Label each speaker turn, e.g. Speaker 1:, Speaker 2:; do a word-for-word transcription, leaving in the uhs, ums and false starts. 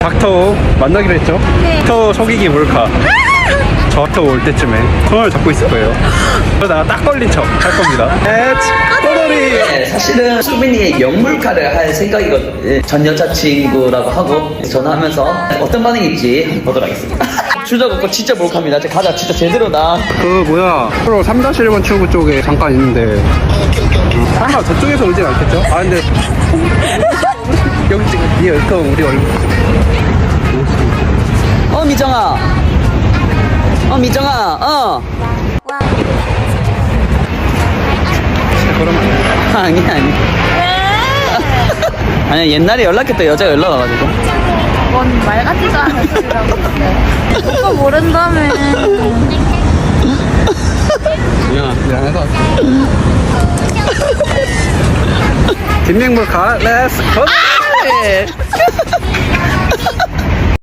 Speaker 1: 닥터 만나기로 했죠?
Speaker 2: 네.
Speaker 1: 닥터 속이기 몰카. 저 닥터 올 때쯤에 손을 잡고 있을 거예요. 그러다가 딱 걸린 척 할 겁니다. 엣 꼬돌이.
Speaker 3: 네, 사실은 수빈이의 영물카를 할 생각이거든요. 전 여자친구라고 하고 전화하면서 어떤 반응일지 한번 보도록 하겠습니다. 주저 없고 진짜 몰카입니다. 저 가자 진짜 제대로다.
Speaker 1: 그 뭐야 프로 삼 일 번 출구 쪽에 잠깐 있는데 설마 저쪽에서 오진 않겠죠? 아 근데 여기 지금 이 얼큰 우리 얼굴
Speaker 3: 어 미정아. 어 미정아. 어.
Speaker 1: 그러면 안 돼.
Speaker 3: 아니 아니. 아니 옛날에 연락했던 여자가 연락 와가지고.
Speaker 2: 뭔 말 같지도 않은 소리라고 했는데. 오빠 모른다며.
Speaker 1: 미안하, 미안해서 뒷맹몰카 렛츠 고!